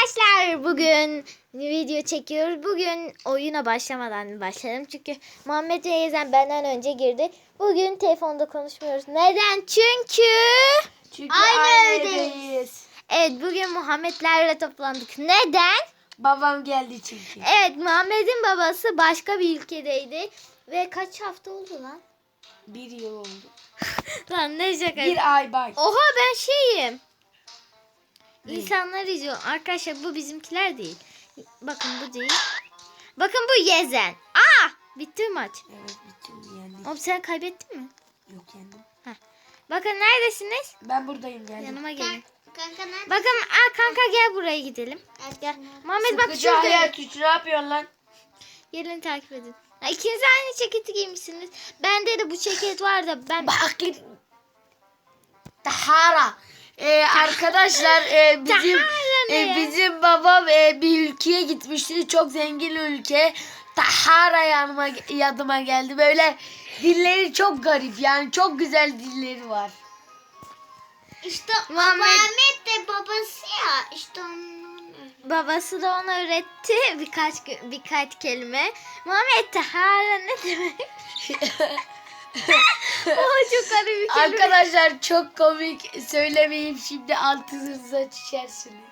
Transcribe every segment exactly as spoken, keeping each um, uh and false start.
Arkadaşlar bugün video çekiyoruz. Bugün oyuna başlamadan başlayalım. Çünkü Muhammed ve Yezen benden önce girdi. Bugün telefonda konuşmuyoruz. Neden? Çünkü, Çünkü aynı, aynı evdeyiz. evdeyiz. Evet, bugün Muhammedlerle toplandık. Neden? Babam geldi çünkü. Evet, Muhammed'in babası başka bir ülkedeydi. Ve kaç hafta oldu lan? Bir yıl oldu. Lan ne şaka. Bir ay bay. Oha, ben şeyim. Ne? İnsanlar izliyor. Arkadaşlar bu bizimkiler değil. Bakın bu değil. Bakın bu Yezen. Aa! Bitti maç. Evet bitti yendik. Oğlum sen kaybettin mi? Yok yendim. Bakın neredesiniz? Ben buradayım geldim. Yanıma gelin. Kanka nerede? Bakın aa, kanka gel buraya gidelim. Gel. Muhammed bak Sıkıcı şurada. hayat üç ne yapıyorsun lan? Gelin takip edin. Ha, İkiniz de aynı ceketi giymişsiniz. Bende de bu ceket var da ben... Bak Tahara. Ee, arkadaşlar e, bizim Tahara ne e, ya? bizim babam e, bir ülkeye gitmişti. Çok zengin ülke. Tahara yanıma yadıma geldi. Böyle dilleri çok garip. Yani çok güzel dilleri var. İşte Muhammed- Muhammed de babası ya. İşte onun. Babası da ona öğretti birkaç gö- birkaç kelime. Muhammed Tahara ne demek? Oha, çok garip bir kelime. Arkadaşlar çok komik, söylemeyeyim şimdi altınıza düşersiniz.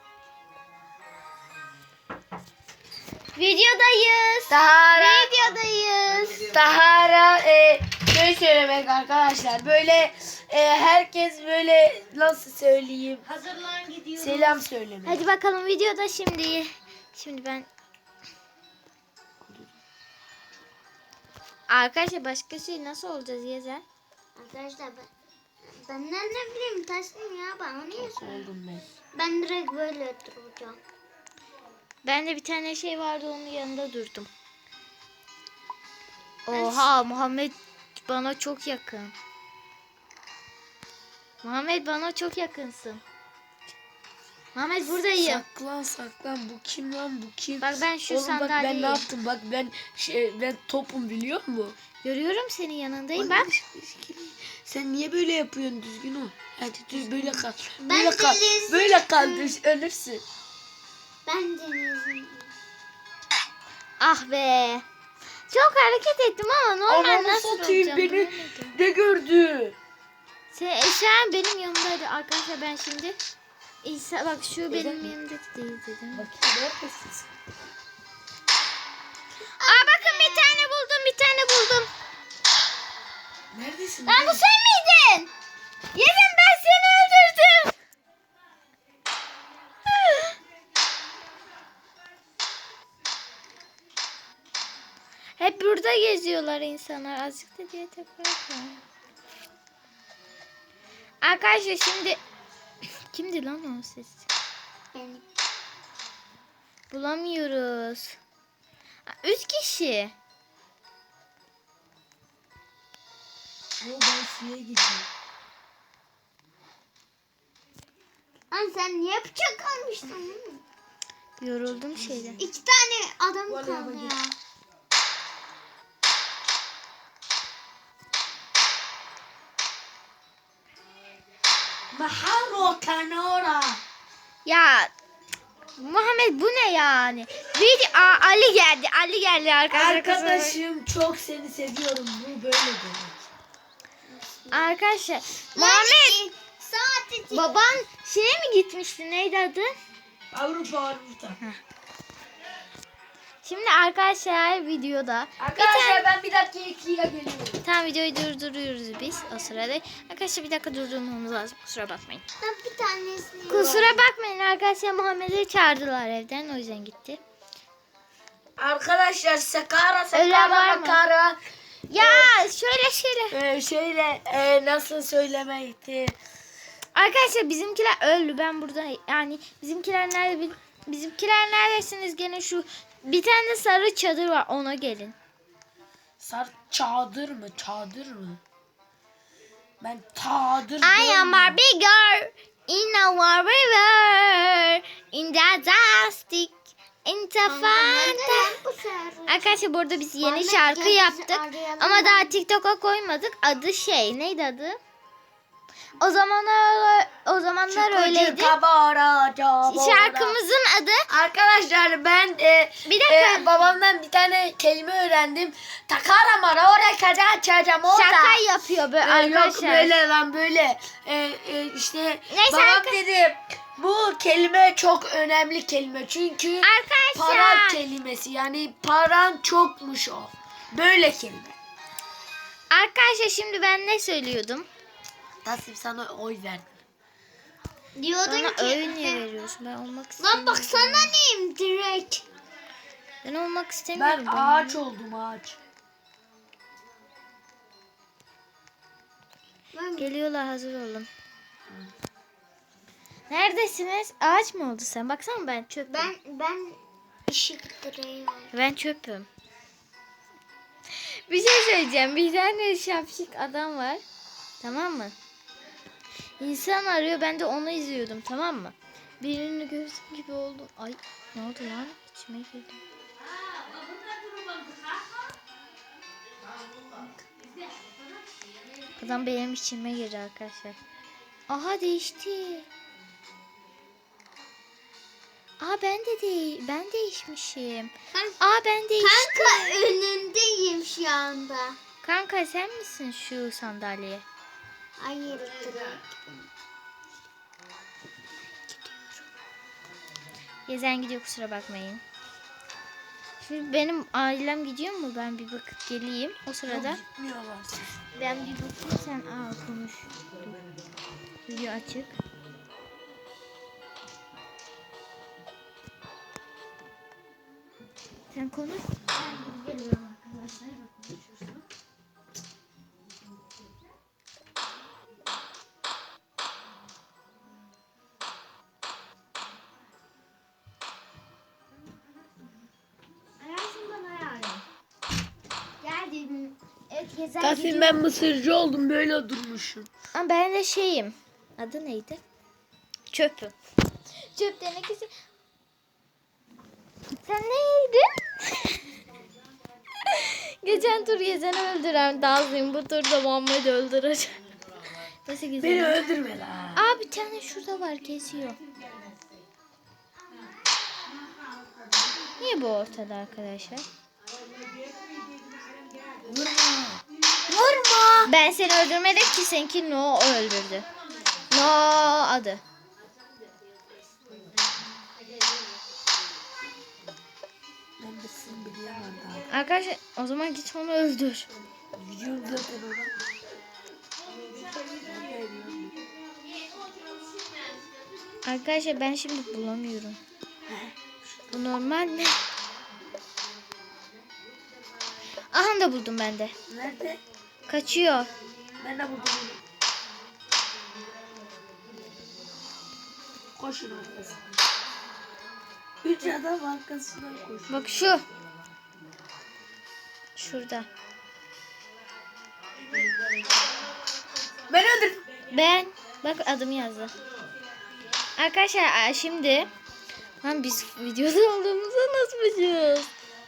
Videodayız. Tahara, Videodayız. Tahara e, ne söylemek arkadaşlar? Böyle e, herkes böyle nasıl söyleyeyim? Hazırlan gidiyoruz. Selam söylemek. Hadi bakalım videoda şimdi. Şimdi ben Arkadaşlar başka şey nasıl olacağız Yezen? Arkadaşlar ben benden ne bileyim taşım ya bana niye Nasıl söylüyorsun? oldum ben? Ben direkt böyle duracağım. Bende bir tane şey vardı, onun yanında durdum. Oha, Muhammed bana çok yakın. Muhammed bana çok yakınsın. Muhammed buradayım. Saklan saklan, bu kim lan bu kim? Bak ben şu Oğlum bak ben sandalyeyim. ne yaptım? Bak ben şey, ben topum biliyor musun? Görüyorum senin yanındayım Bak, bak. sen niye böyle yapıyorsun, düzgün ol. Hadi düz böyle kal. Ben Böyle kal. delirsin. Böyle kal, düz ölürsün. Ben denizim. Ah be. Çok hareket ettim ama normal Ananı nasıl satayım, olacağım beni bilemedim. ne gördü? Sen eşyan benim yanımdaydı arkadaşlar, ben şimdi İsa bak şu benim yanımda değil dedim. Bakayım neredesin sen? Aa bakın, bir tane buldum, bir tane buldum. Neredesin? Lan bu sen miydin? Yemin, ben seni öldürdüm. Hep burada geziyorlar insanlar. Azıcık da diye tekrar. Arkadaşlar şimdi kimdi lan o ses? Benim. Bulamıyoruz. Aa, Üç kişi. Yo, ben suya gidiyorum. Lan sen niye bıçak almıştın? Yoruldum şeyden. İki tane adam Vallahi kaldı bak- ya. Maharo kanora. Ya Muhammed bu ne yani? Video Aa, Ali geldi. Ali geldi arkadaşlar. Arkadaşım çok seni seviyorum. Bu böyle demek. Arkadaşlar Muhammed, Saati baban şeye mi gitmişti? Neydi adı? Avrupa Avrupa. Şimdi arkadaşlar videoda Arkadaşlar ben bir dakika ikiye geliyorum. tam videoyu durduruyoruz biz o sırada. Arkadaşlar bir dakika durdurmamız lazım. Kusura bakmayın. ben bir tanesini. Kusura bakmayın arkadaşlar, Muhammed'i çağırdılar evden, o yüzden gitti. Arkadaşlar sakara Ölen var sakara mı? makara. Ya şöyle şöyle. Ee, şöyle e, nasıl söylemekti? Arkadaşlar bizimkiler öldü. Ben burada yani bizimkiler nerede bil- bizimkiler neredesiniz? Gene şu bir tane sarı çadır var, ona gelin. Sar çadır mı? Çadır mı? Ben çadır I am görmüyorum. Barbie girl in a war river in the dusty in the fanta. Bu sefer. Arkadaşlar burada biz yeni Muhammed şarkı gel bizi yaptık arayalım. ama daha TikTok'a koymadık. Adı şey neydi adı? O zamanlar o zamanlar Çıkıcı öyleydi. kabara, cabara. Şarkımızın Arkadaşlar ben e, Bir dakika. e, babamdan bir tane kelime öğrendim. Takara mara oraya kadar çağıracağım orada. Şaka yapıyor böyle Ee, Yok arkadaşlar. böyle lan böyle. Ee, e, işte Neyse babam arka- dedi bu kelime çok önemli kelime. Çünkü Arkadaşlar. para kelimesi yani paran çokmuş o. Böyle kelime. Arkadaşlar şimdi ben ne söylüyordum? Taslim sana oy verdim. Diyordun Bana ki. öyle niye veriyorsun? Ben olmak istemiyorum. Lan baksana neyim direkt. Ben olmak istemiyorum. Ben ağaç oldum ağaç. Ben, Geliyorlar, hazır olun. Neredesiniz? Ağaç mı oldu sen? Baksana ben çöpüm. Ben, ben, ben ışık direği var. ben çöpüm. Bir şey söyleyeceğim. Bir tane şapşik adam var. Tamam mı? İnsan arıyor. Ben de onu izliyordum. Tamam mı? Birini gördüm gibi oldum. Ay ne oldu lan? İçime girdi. Adam benim içime girdi arkadaşlar. Aha değişti. Aa ben de değil. Ben değişmişim. Kanka, Aa ben değiştim. kanka önündeyim şu anda. Kanka sen misin şu sandalye? Hayır direkt. Gezen gidiyor, kusura bakmayın. Şimdi benim ailem gidiyor mu? Ben bir bakıp geleyim. O sırada Gitmiyorlar siz. ben bir bakayım, sen aa konuş. Dur. Video açık. Sen konuş. Ben geliyorum arkadaşlar. Konuşursun. Ararsın bana yarın. Geldim. Evet, gezen Taslim gidiyor. ben mısırcı oldum böyle durmuşum. Ama ben de şeyim. Adı neydi? Çöpüm. Çöp tenekesi. Sen neydin? Geçen tur Gezen'i öldüren Dazlıyım. Bu tur da Muhammed'i öldüreceğim. Nasıl Beni Gezen? öldürme lan. Aa bir tane şurada var, geziyor. Niye bu ortada arkadaşlar? Vurma. Vurma. Ben seni öldürmedim ki, seninki No öldürdü. No adı. Ben de sizin biliyemem daha. Arkadaşlar o zaman git onu öldür. Gidiyorum zaten ona. Arkadaşlar ben şimdi bulamıyorum. Bu normal mi? Aha da buldum ben de. Nerede? Kaçıyor. Ben de buldum onu. Koşun arkasına. Üç adam arkasından koşuyor. Bak şu. Şurada. Ben öldürdüm. Ben. Bak adımı yazdı. Arkadaşlar şimdi. Lan biz videoda olduğumuzu nasıl biliyoruz?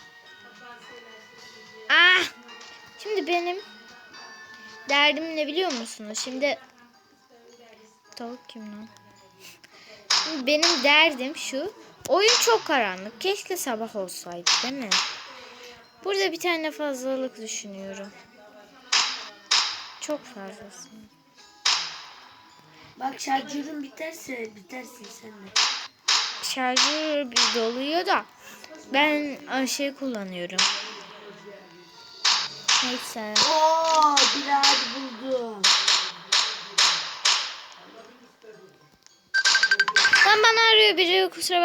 Ah. Şimdi benim derdim ne biliyor musunuz? Şimdi tavuk kim lan? Şimdi benim derdim şu. Oyun çok karanlık. Keşke sabah olsaydı, değil mi? Burada bir tane fazlalık düşünüyorum. Çok fazlası. Bak şarjörün biterse bitersin sen de. Şarjı bir doluyor da ben şey kullanıyorum. Neyse. Oo, bir ağaç buldum. Lan bana arıyor biri, kusura